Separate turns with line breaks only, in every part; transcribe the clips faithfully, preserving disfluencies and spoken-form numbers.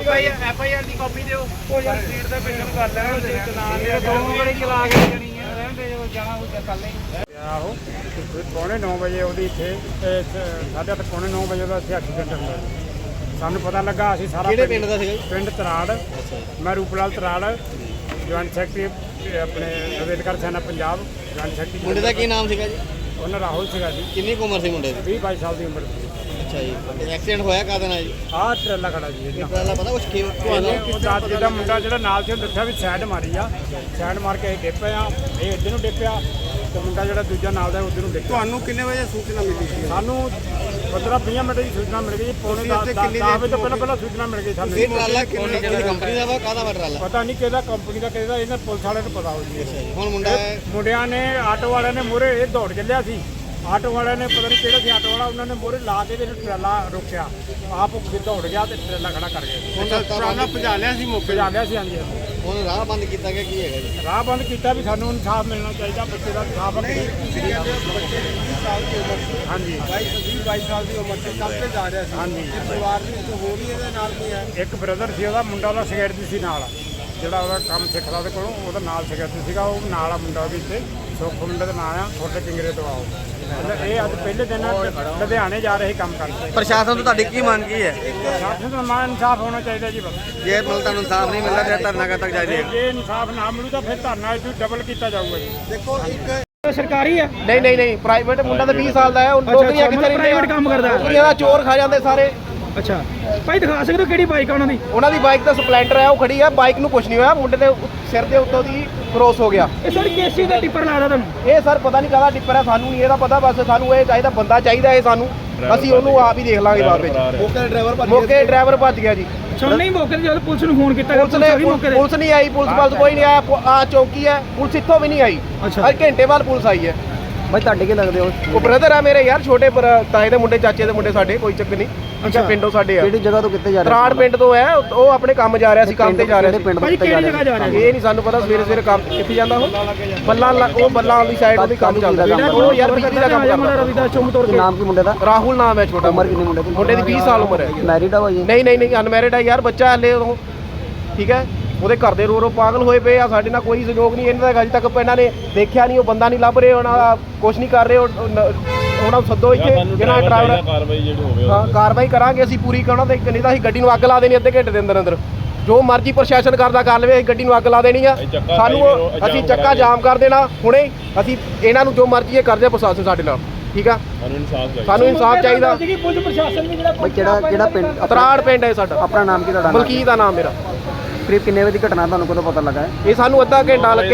ਭਾਈ F I R ਦੀ copy ਦਿਓ। ਉਹ ਯਾਰ ਸੀਟ ਤੇ ਪਿੱਛੇ ਕਰ ਲੈਣਾ ਤੇ ਚਲਾਨ ਦੇ ਦੋ ਵਾਰੀ ਚਲਾ ਕੇ ਜਾਣੀ ਹੈ ਰਹਿੰਦੇ ਜੋ ਜਾਣਾ ਉਹ ਕੱਲ ਹੀ ਆਹੋ ਪੌਣੇ ਨੌ ਵਜੇ ਉਹਦੀ ਇੱਥੇ ਸਾਢੇ ਅੱਠ ਪੌਣੇ ਨੌ ਵਜੇ ਉਹਦਾ ਇੱਥੇ ਐਕਸੀਡੈਂਟ ਹੋਇਆ। ਸਾਨੂੰ ਪਤਾ ਲੱਗਾ ਅਸੀਂ ਸਾਰਾ
ਕਿਹੜੇ ਪਿੰਡ ਦਾ ਸੀਗਾ?
ਪਿੰਡ ਤਰਾੜ। ਮੈਂ ਰੂਪਲਾਲ ਤਰਾੜ, ਜੁਆਇੰਟ ਸੈਕਟਰੀ ਆਪਣੇ ਅੰਬੇਦਕਰ ਸੈਨਾ ਪੰਜਾਬ ਜੁਆਇੰਟ ਸੈਕਟਰੀ।
ਮੁੰਡੇ ਦਾ ਕੀ ਨਾਮ ਸੀਗਾ ਜੀ?
ਉਹਨਾਂ ਰਾਹੁਲ ਸੀਗਾ ਜੀ।
ਕਿੰਨੀ ਕੁ ਉਮਰ ਸੀ ਮੁੰਡੇ ਦੀ?
ਵੀਹ ਬਾਈ ਸਾਲ ਦੀ ਉਮਰ ਸੀ।
ਅੱਛਾ ਜੀ। ਐਕਸੀਡੈਂਟ ਹੋਇਆ ਕਾਹਦੇ ਨਾਲ ਜੀ?
ਆਹ ਟਰੇਲਾ ਖੜਾ ਜੀ ਇਹਦਾ
ਟਰਾਲਾ ਪਤਾ ਕੁਛ ਕੀ
ਰਾਤ ਜਿਹਦਾ ਮੁੰਡਾ ਜਿਹੜਾ ਨਾਲ ਸੀ ਉਹਨੇ ਦੱਸਿਆ ਵੀ ਸਾਈਡ ਮਾਰੀ ਆ, ਸਾਈਡ ਮਾਰ ਕੇ ਅਸੀਂ ਡਿੱਪੇ ਆ, ਇਹ ਇੱਧਰ ਨੂੰ ਡਿੱਪਿਆ ਤੇ ਮੁੰਡਾ ਜਿਹੜਾ ਦੂਜਾ ਨਾਲ ਦਾ ਉੱਧਰ ਨੂੰ ਡਿੱਪਿਆ।
ਤੁਹਾਨੂੰ ਕਿੰਨੇ ਵਜੇ ਸੂਚਨਾ ਮਿਲੀ ਸੀ?
ਸਾਨੂੰ ਪੰਦਰਾਂ ਵੀਹ ਮਿੰਟ ਦੀ ਸੂਚਨਾ ਮਿਲ ਗਈ। ਪੌਣੇ ਦਸ ਵਜੇ ਤੋਂ ਪਹਿਲਾਂ ਪਹਿਲਾਂ ਸੂਚਨਾ ਮਿਲ ਗਈ ਸਾਨੂੰ।
ਇਹ ਟਰਾਲਾ ਕਿਹੜੀ ਕੰਪਨੀ ਦਾ ਵਾ, ਕਾਹਦਾ ਵਾ ਟਰਾਲਾ?
ਪਤਾ ਨਹੀਂ ਕਿਹਦਾ ਕੰਪਨੀ ਦਾ ਕਿਹਦਾ, ਇਹਨਾਂ ਪੁਲਿਸ ਵਾਲਿਆਂ ਨੂੰ ਪਤਾ ਹੋ ਜੀ।
ਹੁਣ ਮੁੰਡਾ
ਮੁੰਡਿਆਂ ਨੇ ਆਟੋ ਵਾਲਿਆਂ ਨੇ ਮੂਹਰੇ ਇਹ ਦੌੜ ਚੱਲਿਆ ਸੀ। ਆਟੋ ਵਾਲਿਆਂ ਨੇ ਪਤਾ ਨਹੀਂ ਕਿਹੜਾ ਸੀ ਆਟੋ ਵਾਲਾ, ਉਹਨਾਂ ਨੇ ਮੂਹਰੇ ਲਾ ਕੇ ਇਹਨੂੰ ਟਰਾਲਾ ਰੋਕਿਆ, ਆਪ ਦੌੜ ਗਿਆ ਤੇ ਟਰਾਲਾ ਖੜਾ ਕਰ ਗਏ।
ਹੁਣ ਟਰਾਲਾ ਭਜਾ ਲਿਆ ਸੀ ਮੌਕੇ
ਭਜਾ ਲਿਆ ਸੀ। ਹਾਂਜੀ
ਹੁਣ ਰਾਹ ਬੰਦ ਕੀਤਾ ਗਿਆ ਕੀ ਹੈਗਾ ਜੀ?
ਰਾਹ ਬੰਦ ਕੀਤਾ ਵੀ ਸਾਨੂੰ ਇਨਸਾਫ ਮਿਲਣਾ ਚਾਹੀਦਾ, ਬੱਚੇ ਦਾ ਇਨਸਾਫ। ਹਾਂਜੀ ਵੀਹ ਬਾਈ ਸਾਲ ਦੀ ਉਮਰ ਤੇ ਕੰਮ ਤੇ ਜਾ ਰਿਹਾ ਸੀ। ਹਾਂਜੀ ਪਰਿਵਾਰ ਦੀ ਹੋ ਰਹੀ ਇਹਦੇ ਨਾਲ ਕੀ ਹੈ? ਇੱਕ ਬ੍ਰਦਰ ਸੀ ਉਹਦਾ, ਮੁੰਡਾ ਉਹਦਾ ਸਿਕਿਉਰਿਟੀ ਸੀ ਨਾਲ, ਜਿਹੜਾ ਉਹਦਾ ਕੰਮ ਸਿੱਖਦਾ ਉਹਦੇ ਕੋਲੋਂ, ਉਹਦਾ ਨਾਲ ਸਿਕਿਉਰਿਟੀ ਸੀਗਾ। ਉਹ ਨਾਲ ਆ ਮੁੰਡਾ ਵੀ ਇੱਥੇ ਸੁੱਖ ਮੁੰਡੇ ਦਾ ਨਾਂ ਆ, ਛੋਟੇ ਕਿੰਗਰੇ ਤੋਂ ਆਓ। ਇਹ ਅੱਜ ਪਹਿਲੇ ਦਿਨ ਲੁਧਿਆਣੇ ਜਾ ਰਹੇ ਕੰਮ ਕਰਨ।
ਪ੍ਰਸ਼ਾਸਨ ਤੋਂ ਤੁਹਾਡੀ ਕੀ ਮੰਗ ਕੀ ਹੈ?
ਪ੍ਰਸ਼ਾਸਨ ਦਾ ਮਾਨ ਇਨਸਾਫ ਹੋਣਾ ਚਾਹੀਦਾ ਜੀ। ਬਸ
ਜੇ ਮਤਲਬ ਤੁਹਾਨੂੰ ਇਨਸਾਫ ਨਹੀਂ ਮਿਲਦਾ ਫਿਰ ਧਰਨਾ ਕਦ ਤੱਕ ਜਾਰੀ ਰਹੇਗਾ?
ਜੇ ਇਨਸਾਫ ਨਾ ਮਿਲੂ ਤਾਂ ਫਿਰ ਧਰਨਾ ਇਹਨੂੰ ਡਬਲ ਕੀਤਾ ਜਾਊਗਾ ਜੀ।
ਦੇਖੋ ਇੱਕ
ਸਰਕਾਰੀ ਹੈ?
ਨਹੀਂ ਨਹੀਂ ਨਹੀਂ ਪ੍ਰਾਈਵੇਟ ਮੁੰਡਾ ਤਾਂ ਵੀਹ ਸਾਲ ਦਾ ਹੈ। ਉਹ ਨੌਕਰੀਆਂ ਕਿੱਥੇ ਰਹਿੰਦੀਆਂ?
ਪ੍ਰਾਈਵੇਟ ਕੰਮ ਕਰਦਾ।
ਨੌਕਰੀਆਂ ਦਾ ਚੋਰ ਖਾ ਜਾਂਦੇ ਸਾਰੇ।
ਅੱਛਾ ਭਾਈ ਦਿਖਾ ਸਕਦੇ ਹੋ ਕਿਹੜੀ ਬਾਈਕ ਆ ਉਹਨਾਂ ਦੀ?
ਉਹਨਾਂ ਦੀ ਬਾਈਕ ਤਾਂ ਸਪਲੈਂਡਰ ਹੈ, ਉਹ ਖੜੀ ਹੈ। ਬਾਈਕ ਨੂੰ ਕੁਝ ਨਹੀਂ ਹੋਇਆ, ਮੁੰਡੇ ਦੇ ਸਿਰ ਦੇ ਉੱਤੋਂ ਦੀ ਕ੍ਰੋਸ ਹੋ ਗਿਆ।
ਇਹ ਸਰ ਕੇਸੀ ਦਾ ਟਿੱਪਰ ਲਾਦਾ ਤੁਹਾਨੂੰ?
ਇਹ ਸਰ ਪਤਾ ਨਹੀਂ ਕਾਹਦਾ ਟਿੱਪਰ ਹੈ, ਸਾਨੂੰ ਨਹੀਂ ਇਹਦਾ ਪਤਾ। ਬਸ ਸਾਨੂੰ ਇਹ ਚਾਹੀਦਾ, ਬੰਦਾ ਚਾਹੀਦਾ ਇਹ ਸਾਨੂੰ, ਅਸੀਂ ਉਹਨੂੰ ਆਪ ਹੀ ਦੇਖ ਲਾਂਗੇ ਬਾਅਦ ਵਿੱਚ। ਮੌਕੇ ਡਰਾਈਵਰ ਮੌਕੇ ਡਰਾਈਵਰ ਭੱਜ ਗਿਆ ਜੀ।
ਸੁਣ ਨਹੀਂ ਮੌਕੇ ਤੇ ਜਦੋਂ ਪੁਲਿਸ ਨੂੰ ਫੋਨ ਕੀਤਾ,
ਪੁਲਿਸ ਨੇ ਪੁਲਿਸ ਨਹੀਂ ਆਈ, ਪੁਲਿਸ ਬਲ ਕੋਈ ਨਹੀਂ ਆਇਆ। ਆ ਚੌਕੀ ਹੈ, ਪੁਲਿਸ ਇੱਥੋਂ ਵੀ ਨਹੀਂ ਆਈ। ਅੱਜ ਘੰਟੇ ਬਾਅਦ ਪੁਲਿਸ ਆਈ ਹੈ।
ਭਾਈ ਤੁਹਾਡੇ ਕੀ ਲੱਗਦੇ ਹੋ?
ਉਹ ਬ੍ਰਦਰ ਆ ਮੇਰੇ ਯਾਰ, ਛੋਟੇ ਤਾਏ ਦੇ ਮੁੰਡੇ, ਚਾਚੇ ਦੇ ਮੁੰਡੇ ਸਾਡੇ, ਕੋਈ ਚੱਕਰ ਨਹੀਂ। ਅੱਛਾ ਪਿੰਡੋਂ ਸਾਡੇ ਆ।
ਕਿਹੜੀ ਜਗ੍ਹਾ ਤੋਂ ਕਿੱਥੇ ਜਾ ਰਹੇ?
ਤਰਾੜ ਪਿੰਡ ਤੋਂ ਹੈ, ਉਹ ਆਪਣੇ ਕੰਮ ਜਾ ਰਿਹਾ ਸੀ, ਕੰਮ ਤੇ ਜਾ ਰਿਹਾ ਸੀ।
ਭਾਈ ਕਿਹੜੀ ਜਗ੍ਹਾ ਜਾ ਰਿਹਾ?
ਇਹ ਨਹੀਂ ਸਾਨੂੰ ਪਤਾ। ਸਵੇਰੇ ਸਵੇਰੇ ਕੰਮ ਕਿੱਥੇ ਜਾਂਦਾ ਉਹ? ਬੱਲਾ ਉਹ ਬੱਲਾ ਵਾਲੀ ਸਾਈਡ ਉਹਦੀ ਕੰਮ ਚੱਲਦਾ। ਉਹ ਯਾਰ ਬਿਜਲੀ ਦਾ ਕੰਮ ਕਰਦਾ।
ਨਾਮ ਕੀ ਮੁੰਡੇ ਦਾ?
ਰਾਹੁਲ ਨਾਮ ਹੈ ਛੋਟਾ।
ਉਮਰ ਕਿੰਨੀ ਮੁੰਡੇ ਦੀ?
ਮੁੰਡੇ ਦੀ ਵੀਹ ਸਾਲ ਉਮਰ ਹੈ।
ਮੈਰਿਡ ਆ ਭਾਈ?
ਨਹੀਂ ਨਹੀਂ ਨਹੀਂ ਅਨਮੈਰਿਡ ਹੈ ਯਾਰ, ਬੱਚਾ ਹਲੇ ਉਹ। ਠੀਕ ਹੈ, ਉਹਦੇ ਘਰ ਦੇ ਰੋ ਰੋ ਪਾਗਲ ਹੋਏ ਪਏ ਆ। ਸਾਡੇ ਨਾਲ ਕੋਈ ਸਹਿਯੋਗ ਨਹੀਂ ਇਹਨਾਂ ਦਾ, ਅਜੇ ਤੱਕ ਇਹਨਾਂ ਨੇ ਦੇਖਿਆ ਨਹੀਂ, ਉਹ ਬੰਦਾ ਨਹੀਂ ਲੱਭ ਰਹੇ, ਉਹਨਾਂ ਦਾ ਕੁਛ ਨਹੀਂ ਕਰ ਰਹੇ। ਉਹਨਾਂ ਨੂੰ ਸੱਦੋ ਇੱਥੇ, ਜਿਹੜਾ ਡਰਾਈਵਰ ਕਾਰਵਾਈ ਜਿਹੜੀ ਹੋਵੇ ਹਾਂ ਕਾਰਵਾਈ ਕਰਾਂਗੇ ਅਸੀਂ ਪੂਰੀ। ਕਰਨਾ ਤੇ ਨਹੀਂ ਤਾਂ ਅਸੀਂ ਗੱਡੀ ਨੂੰ ਅੱਗ ਲਾ ਦੇਣੀ ਅੱਧੇ ਘੰਟੇ ਦੇ ਅੰਦਰ ਅੰਦਰ। ਜੋ ਮਰਜ਼ੀ ਪ੍ਰਸ਼ਾਸਨ ਕਰਦਾ ਕਰ ਲਵੇ, ਅਸੀਂ ਗੱਡੀ ਨੂੰ ਅੱਗ ਲਾ ਦੇਣੀ ਆ। ਸਾਨੂੰ ਅਸੀਂ ਚੱਕਾ ਜਾਮ ਕਰ ਦੇਣਾ ਹੁਣੇ। ਅਸੀਂ ਇਹਨਾਂ ਨੂੰ ਜੋ ਮਰਜ਼ੀ ਇਹ ਕਰਦੇ ਪ੍ਰਸ਼ਾਸਨ ਸਾਡੇ ਨਾਲ। ਠੀਕ ਆ, ਸਾਨੂੰ ਇਨਸਾਫ ਚਾਹੀਦਾ।
ਪੁਲਿਸ ਪ੍ਰਸ਼ਾਸਨ ਵੀ ਜਿਹੜਾ
ਭਾਈ ਕਿਹੜਾ ਕਿਹੜਾ ਪਿੰਡ?
ਤਰਾੜ ਪਿੰਡ ਹੈ ਸਾਡਾ।
ਆਪਣਾ ਨਾਮ ਕੀ ਤੁਹਾਡਾ?
ਮਲਕੀਤ ਦਾ ਨਾਮ ਮੇਰਾ।
ਕਰੀਬ ਕਿੰਨੇ ਵਜੇ ਦੀ ਘਟਨਾ ਤੁਹਾਨੂੰ ਕਦੋਂ ਪਤਾ ਲੱਗਾ ਹੈ?
ਇਹ ਸਾਨੂੰ ਅੱਧਾ ਘੰਟਾ ਲੱਗੇ,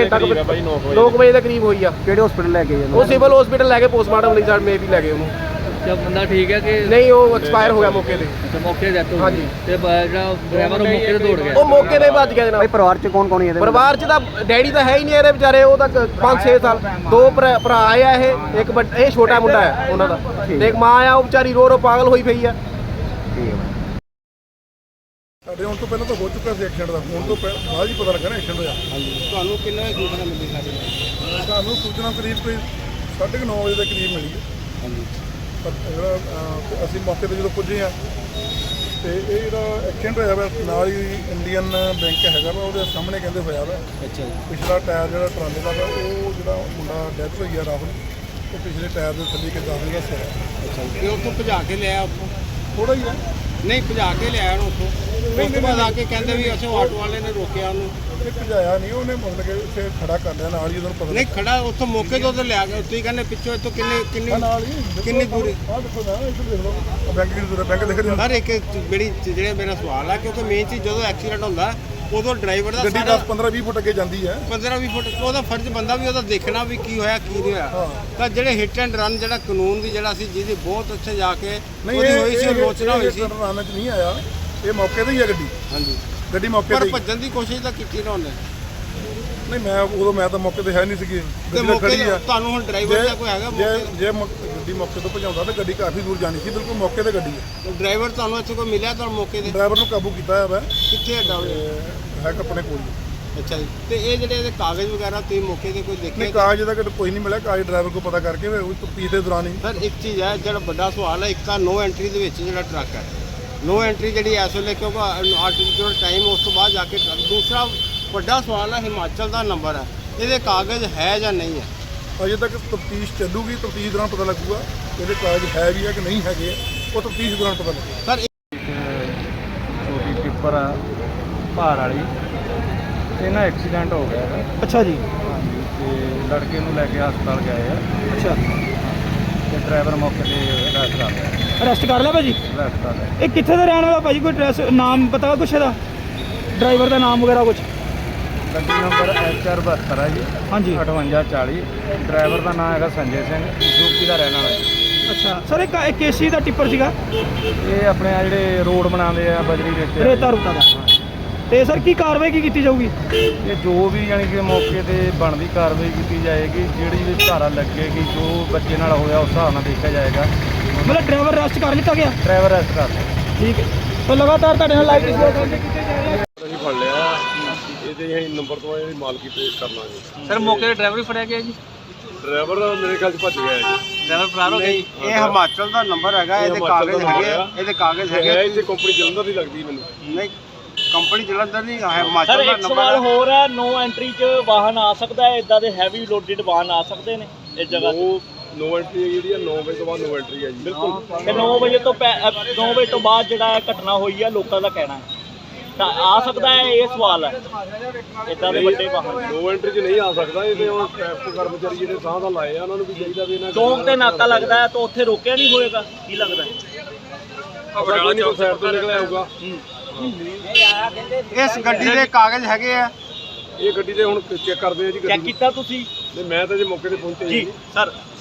ਨੌ ਵਜੇ ਦੇ ਕਰੀਬ ਹੋਈ ਆ।
ਕਿਹੜੇ ਹਸਪੀਟਲ ਲੈ ਕੇ ਗਏ?
ਉਹ ਸਿਵਲ ਹਸਪੀਟਲ ਲੈ ਕੇ ਪੋਸਟਮਾਰਟਮ ਲਈ ਸਾਡ ਮੇ ਵੀ ਲੈ ਗਏ ਉਹਨੂੰ।
ਤੇ ਬੰਦਾ ਠੀਕ ਹੈ ਕਿ
ਨਹੀਂ? ਉਹ ਐਕਸਪਾਇਰ ਹੋ ਗਿਆ ਮੌਕੇ ਤੇ।
ਤੇ ਮੌਕੇ ਤੇ ਡੈਥ ਹੋ
ਹਾਂਜੀ।
ਗਈ ਤੇ ਜਿਹੜਾ ਡਰਾਈਵਰ ਉਹ ਮੌਕੇ ਤੇ ਦੌੜ ਗਿਆ।
ਉਹ ਮੌਕੇ ਤੇ ਭੱਜ ਗਿਆ ਜਨਾਬ।
ਭਾਈ ਪਰਿਵਾਰ ਚ ਕੌਣ ਕੌਣ ਹੈ ਇਹਦੇ?
ਪਰਿਵਾਰ ਚ ਤਾਂ ਡੈਡੀ ਤਾਂ ਹੈ ਹੀ ਨਹੀਂ ਇਹਦੇ ਵਿਚਾਰੇ। ਉਹ ਤਾਂ ਪੰਜ ਛੇ ਸਾਲ ਦੋ ਭਰਾ ਭਰਾ ਆਏ ਆ। ਇਹ ਇੱਕ ਇਹ ਛੋਟਾ ਮੁੰਡਾ ਹੈ ਉਹਨਾਂ ਦਾ, ਤੇ ਇੱਕ ਮਾਂ ਆ, ਉਹ ਵਿਚਾਰੀ ਰੋ ਰੋ ਪਾਗਲ ਹੋਈ ਪਈ ਆ।
ਸਾਡੇ ਹੁਣ ਤੋਂ ਪਹਿਲਾਂ ਤਾਂ ਹੋ ਚੁੱਕਾ ਸੀ ਐਕਸੀਡੈਂਟ ਦਾ। ਹੁਣ ਤੋਂ ਬਾਅਦ ਹੀ ਪਤਾ ਲੱਗਾ ਨਾ ਐਕਸੀਡੈਂਟ ਹੋਇਆ।
ਤੁਹਾਨੂੰ ਕਿੰਨਾ ਸੂਚਨਾ ਮਿਲੀ ਸਾਡੇ?
ਸਾਨੂੰ ਸੂਚਨਾ ਕਰੀਬ ਕੋਈ ਸਾਢੇ ਕੁ ਨੌ ਵਜੇ ਦੇ ਕਰੀਬ ਮਿਲੀ ਹੈ। ਹਾਂਜੀ। ਪਰ ਜਿਹੜਾ ਅਸੀਂ ਮੌਕੇ 'ਤੇ ਜਦੋਂ ਪੁੱਜੇ ਹਾਂ ਤੇ ਇਹ ਜਿਹੜਾ ਐਕਸੀਡੈਂਟ ਹੋਇਆ ਵਾ ਨਾਲ ਹੀ ਇੰਡੀਅਨ ਬੈਂਕ ਹੈਗਾ ਵਾ, ਉਹਦੇ ਸਾਹਮਣੇ ਕਹਿੰਦੇ ਹੋਇਆ ਵਾ। ਅੱਛਾ ਜੀ। ਪਿਛਲਾ ਟਾਇਰ ਜਿਹੜਾ ਟਰਾਲੇ ਦਾ ਵਾ, ਉਹ ਜਿਹੜਾ ਮੁੰਡਾ ਡੈਥ ਹੋਈ ਆ ਰਾਹੁਲ, ਉਹ ਪਿਛਲੇ ਟਾਇਰ ਦੇ ਥੱਲੇ ਕੇ ਦਾਖਲ ਦਾ ਸਿਰ।
ਅੱਛਾ ਜੀ। ਉੱਥੋਂ ਭਜਾ ਕੇ ਲਿਆਇਆ ਉੱਥੋਂ?
ਥੋੜਾ ਹੀ ਆ।
ਨਹੀਂ ਭਜਾ ਕੇ ਲਿਆਇਆ ਉਹਨੂੰ ਉੱਥੋਂ। ਉਸ ਤੋਂ ਬਾਅਦ ਆ ਕੇ ਕਹਿੰਦੇ ਵੀ ਅੱਛਾ ਆਟੋ ਵਾਲੇ ਨੇ ਰੋਕਿਆ ਉਹਨੂੰ।
ਇਹ ਭਜਾਇਆ ਨਹੀਂ, ਉਹਨੇ ਮਤਲਬ ਕਿ ਇੱਥੇ ਖੜਾ ਕਰ ਲਿਆ ਨਾਲ ਹੀ। ਉਹਨੂੰ ਪਤਾ
ਨਹੀਂ ਖੜਾ ਉੱਥੋਂ ਮੌਕੇ ਤੋਂ ਲਿਆ ਕੇ ਤੁਸੀਂ ਕਹਿੰਦੇ ਪਿੱਛੋਂ ਇੱਥੋਂ ਕਿੰਨੇ ਕਿੰਨੀ
ਨਾਲ ਹੀ
ਕਿੰਨੀ ਦੂਰੀ?
ਆਹ ਦੇਖੋ ਨਾ, ਇੱਧਰ ਦੇਖ ਲਓ ਬੈਂਕ ਦੀ ਦੂਰ ਬੈਂਕ ਦਿਖ ਰਹੀ
ਸਰ ਇੱਕ ਜਿਹੜੀ ਜਿਹੜੇ ਮੇਰਾ ਸਵਾਲ ਆ, ਕਿਉਂਕਿ ਮੇਨ ਚੀਜ਼ ਜਦੋਂ ਐਕਸੀਡੈਂਟ ਹੁੰਦਾ ਉਦੋਂ ਡਰਾਈਵਰ ਦਾ
ਗੱਡੀ ਦਸ ਪੰਦਰਾਂ ਵੀਹ ਫੁੱਟ ਅੱਗੇ ਜਾਂਦੀ ਹੈ।
ਪੰਦਰਾਂ ਵੀਹ ਫੁੱਟ ਉਹਦਾ ਫਰਜ਼ ਬੰਦਾ ਵੀ ਉਹਦਾ ਦੇਖਣਾ ਵੀ ਕੀ ਹੋਇਆ ਕੀ ਨਹੀਂ ਹੋਇਆ। ਤਾਂ ਜਿਹੜੇ ਹਿੱਟ ਐਂਡ ਰਨ ਜਿਹੜਾ ਕਾਨੂੰਨ ਦੀ ਜਿਹੜਾ ਸੀ ਜਿਹਦੀ ਬਹੁਤ ਉੱਥੇ ਜਾ ਕੇ ਉਹਦੀ ਹੋਈ ਸੀ, ਆਲੋਚਨਾ ਹੋਈ ਸੀ।
ਰਨ ਚ ਨਹੀਂ ਆਇਆ, ਇਹ ਮੌਕੇ ਤੇ ਹੀ ਆ ਗੱਡੀ।
ਹਾਂਜੀ
ਗੱਡੀ ਮੌਕੇ
ਪਰ
ਤੇ।
ਭੱਜਣ ਦੀ ਕੋਸ਼ਿਸ਼ ਤਾਂ ਕੀਤੀ ਨਾ ਉਹਨੇ।
ਨਹੀਂ ਮੈਂ ਉਦੋਂ ਮੈਂ ਤਾਂ ਮੌਕੇ ਤੇ ਹੈ ਨਹੀਂ ਸੀਗੀ, ਗੱਡੀ ਤਾਂ ਖੜੀ ਆ।
ਤੁਹਾਨੂੰ ਹੁਣ ਡਰਾਈਵਰ ਦਾ ਕੋਈ ਹੈਗਾ?
ਜੇ ਜੇ ਗੱਡੀ ਮੌਕੇ ਤੋਂ ਭਜਾਉਂਦਾ ਤਾਂ ਗੱਡੀ ਕਾਫੀ ਦੂਰ ਜਾਣੀ ਸੀ, ਬਿਲਕੁਲ ਮੌਕੇ ਤੇ ਗੱਡੀ ਹੈ।
ਡਰਾਈਵਰ ਤੁਹਾਨੂੰ ਇੱਥੇ ਕੋਈ ਮਿਲਿਆ ਤੁਹਾਨੂੰ ਮੌਕੇ ਤੇ?
ਡਰਾਈਵਰ ਨੂੰ ਕਾਬੂ ਕੀਤਾ ਹੋਇਆ ਵਾ।
ਕਿੱਥੇ ਹੈ ਡਰਾਈਵਰ?
ਹੈ ਆਪਣੇ ਕੋਲ।
ਅੱਛਾ ਜੀ। ਤੇ ਇਹ ਜਿਹੜੇ ਇਹਦੇ ਕਾਗਜ਼ ਵਗੈਰਾ ਤੁਸੀਂ ਮੌਕੇ ਤੇ ਕੋਈ ਦੇਖੇ?
ਨਹੀਂ ਕਾਗਜ਼ ਦਾ ਕੋਈ ਨਹੀਂ ਮਿਲਿਆ। ਕਾਗਜ਼ ਡਰਾਈਵਰ ਕੋਲ ਪਤਾ ਕਰਕੇ ਉਹ ਤਫਤੀਸ਼ ਦੇ ਦੌਰਾਨ ਹੀ।
ਸਰ ਇੱਕ ਚੀਜ਼ ਹੈ, ਜਿਹੜਾ ਵੱਡਾ ਸਵਾਲ ਹੈ, ਇੱਕ ਤਾਂ ਨੋ ਐਂਟਰੀ ਦੇ ਵਿੱਚ ਜਿਹੜਾ ਟਰੱਕ ਹੈ,
ਨੋ ਐਂਟਰੀ ਜਿਹੜੀ ਇਸ ਵੇਲੇ ਕਿਉਂਕਿ ਆਰਟੀਫਿਸ਼ੀਅਲ ਟਾਈਮ ਉਸ ਤੋਂ ਬਾਅਦ ਜਾ ਕੇ ਦੂਸਰਾ ਵੱਡਾ ਸਵਾਲ ਹੈ ਹਿਮਾਚਲ ਦਾ ਨੰਬਰ ਹੈ, ਇਹਦੇ ਕਾਗਜ਼ ਹੈ ਜਾਂ ਨਹੀਂ ਹੈ।
ਅਜੇ ਤੱਕ ਤਫਤੀਸ਼ ਚੱਲੂਗੀ, ਤਫਤੀਸ਼ ਦੌਰਾਨ ਪਤਾ ਲੱਗੂਗਾ ਇਹਦੇ ਕਾਗਜ਼ ਹੈ ਵੀ ਹੈ ਕਿ ਨਹੀਂ ਹੈਗੇ, ਉਹ ਤਫਤੀਸ਼ ਦੌਰਾਨ ਪਤਾ ਲੱਗੂਗਾ।
ਸਰ
ਛੋਟੀ ਟਿੱਪਰ ਆ ਭਾਰ ਵਾਲੀ, ਇਹ ਨਾ ਐਕਸੀਡੈਂਟ ਹੋ ਗਿਆ ਹੈ।
ਅੱਛਾ ਜੀ।
ਹਾਂਜੀ, ਤੇ ਲੜਕੇ ਨੂੰ ਲੈ ਕੇ ਹਸਪਤਾਲ ਗਏ ਆ
ਅੱਛਾ,
ਤੇ ਡਰਾਈਵਰ ਮੌਕੇ ਤੇ ਅਰੈਸਟ ਕਰ ਲਿਆ
ਅਰੈਸਟ ਕਰ ਲਿਆ ਭਾਜੀ।
ਅਰੈਸਟ ਕਰ ਲਿਆ।
ਇਹ ਕਿੱਥੇ ਦਾ ਰਹਿਣ ਵਾਲਾ ਭਾਜੀ, ਕੋਈ ਐਡਰੈਸ ਨਾਮ ਪਤਾ ਕੁਛ ਇਹਦਾ, ਡਰਾਈਵਰ ਦਾ ਨਾਮ ਵਗੈਰਾ ਕੁਛ?
ਗੱਡੀ ਨੰਬਰ ਐਚ ਆਰ ਬਹੱਤਰ ਹੈ ਜੀ
ਹਾਂਜੀ।
ਅਠਵੰਜਾ ਚਾਲੀ। ਡਰਾਈਵਰ ਦਾ ਨਾਮ ਹੈਗਾ ਸੰਜੇ ਸਿੰਘ, ਯੂਪੀ ਦਾ ਰਹਿਣ ਵਾਲਾ ਜੀ।
ਅੱਛਾ ਸਰ, ਇਹ ਕਾ- ਇਹ ਕੇਸੀ ਦਾ ਟਿੱਪਰ ਸੀਗਾ,
ਇਹ ਆਪਣੇ ਆ ਜਿਹੜੇ ਰੋਡ ਬਣਾਉਂਦੇ ਆ ਬਜਰੀ ਰੇਤੇ
ਰੇਤਾ ਰੂਤਾ ਦਾ। ਤੇ ਸਰ ਕੀ ਕਾਰਵਾਈ ਕੀ ਕੀਤੀ ਜਾਊਗੀ?
ਇਹ ਜੋ ਵੀ ਯਾਨੀ ਕਿ ਮੌਕੇ ਤੇ ਬਣਦੀ ਕਾਰਵਾਈ ਕੀਤੀ ਜਾਏਗੀ, ਜਿਹੜੀ ਵੀ ਧਾਰਾ ਲੱਗੇਗੀ, ਜੋ ਬੱਚੇ ਨਾਲ ਹੋਇਆ ਉਸ ਹਿਸਾਬ ਨਾਲ ਦੇਖਿਆ ਜਾਏਗਾ।
ਮਤਲਬ ਡਰਾਈਵਰ ਅਰੈਸਟ ਕਰ ਲਿੱਤਾ ਗਿਆ?
ਡਰਾਈਵਰ ਅਰੈਸਟ ਕਰ ਲਿਆ।
ਠੀਕ ਹੈ, ਤਾਂ ਲਗਾਤਾਰ ਤੁਹਾਡੇ ਨਾਲ ਲਾਈਵ ਕੀਤੇ ਜਾ ਰਹੇ।
ਅਸੀਂ ਫੜ ਲਿਆ ਇਹਦੇ ਅਸੀਂ ਨੰਬਰ ਤੋਂ ਇਹਦੀ ਮਾਲਕੀ ਪੇਸ਼ ਕਰ ਲਾਂਗੇ।
ਸਰ ਮੌਕੇ ਤੇ ਡਰਾਈਵਰ ਵੀ ਫੜਿਆ ਗਿਆ ਜੀ,
ਡਰਾਈਵਰ ਮੇਰੇ ਖਿਆਲ 'ਚ ਭੱਜ ਗਿਆ ਜੀ।
ਡਰਾਈਵਰ ਫਰਾਰ ਹੋ ਗਿਆ ਜੀ।
ਇਹ ਹਿਮਾਚਲ ਦਾ ਨੰਬਰ ਹੈਗਾ, ਇਹਦੇ
ਹਿਮਾਚਲ
ਕਾਗਜ਼
ਦਾ
ਹੈਗੇ ਆ,
ਨੰਬਰ
ਇਹਦੇ ਕਾਗਜ਼
ਹੈ
ਹੈਗੇ।
ਇੱਥੇ ਕੰਪਨੀ ਜਲੰਧਰ ਦੀ ਲੱਗਦੀ ਮੈਨੂੰ।
ਨਹੀਂ, ਕੰਪਨੀ ਜਲੰਧਰ ਨਹੀਂ ਹੈ,
ਸਰ
ਹਿਮਾਚਲ ਦਾ
ਇੱਕ
ਨੰਬਰ
ਸਵਾਲ
ਹੈ।
ਹੋਰ ਹੈ, ਨੋ ਐਂਟਰੀ 'ਚ ਵਾਹਨ ਆ ਸਕਦਾ ਹੈ, ਇਦਾਂ ਦੇ ਹੈਵੀ ਲੋਡਡ ਵਾਹਨ ਆ ਸਕਦੇ ਨੇ ਇਸ ਜਗ੍ਹਾ ਤੇ?
ਉਹ ਨੋ ਐਂਟਰੀ ਜਿਹੜੀ ਆ ਨੌ ਵਜੇ ਤੋਂ ਬਾਅਦ ਨੋ ਐਂਟਰੀ ਹੈ ਜੀ। ਬਿਲਕੁਲ।
ਤੇ ਨੌ ਵਜੇ ਤੋਂ ਨੌ ਵਜੇ ਤੋਂ ਬਾਅਦ ਜਿਹੜਾ ਇਹ ਘਟਨਾ ਹੋਈ ਹੈ, ਲੋਕਾਂ ਦਾ ਕਹਿਣਾ ਹੈ ਤਾਂ ਆ ਸਕਦਾ ਹੈ, ਇਹ ਸਵਾਲ ਹੈ ਇਦਾਂ ਦੇ ਵੱਡੇ ਵਾਹਨ।
ਨੋ ਐਂਟਰੀ 'ਚ ਨਹੀਂ ਆ ਸਕਦਾ, ਇਹ ਤੇ ਹੁਣ ਟ੍ਰੈਫਿਕ ਕਰਮਚਾਰੀ ਜਿਹੜੇ ਸਾਹ ਦਾ ਲਾਏ ਆ ਉਹਨਾਂ ਨੂੰ ਵੀ ਚਾਹੀਦਾ ਵੀ ਇਹਨਾਂ
ਚੌਂਕ ਤੇ ਨਾਕਾ ਲੱਗਦਾ ਹੈ ਤਾਂ ਉੱਥੇ ਰੋਕਿਆ ਨਹੀਂ ਹੋਏਗਾ, ਕੀ ਲੱਗਦਾ ਹੈ?
ਪਟਿਆਲਾ ਚੌਂਕ ਸਾਈਡ ਤੋਂ ਨਿਕਲਿਆ ਹੋਊਗਾ।
ਇਸ ਗੱਡੀ ਦੇ ਕਾਗਜ਼ ਹੈਗੇ ਆ।
ਇਹ ਗੱਡੀ ਦੇ ਹੁਣ ਚੈੱਕ ਕਰਦੇ ਆ ਜੀ
ਚੈੱਕ
ਗੱਡੀ।
ਕੀਤਾ ਤੁਸੀਂ?
ਨਹੀਂ, ਮੈਂ ਤਾਂ ਜੇ ਮੌਕੇ ਤੇ ਪਹੁੰਚੇ
ਜੀ ਸਰ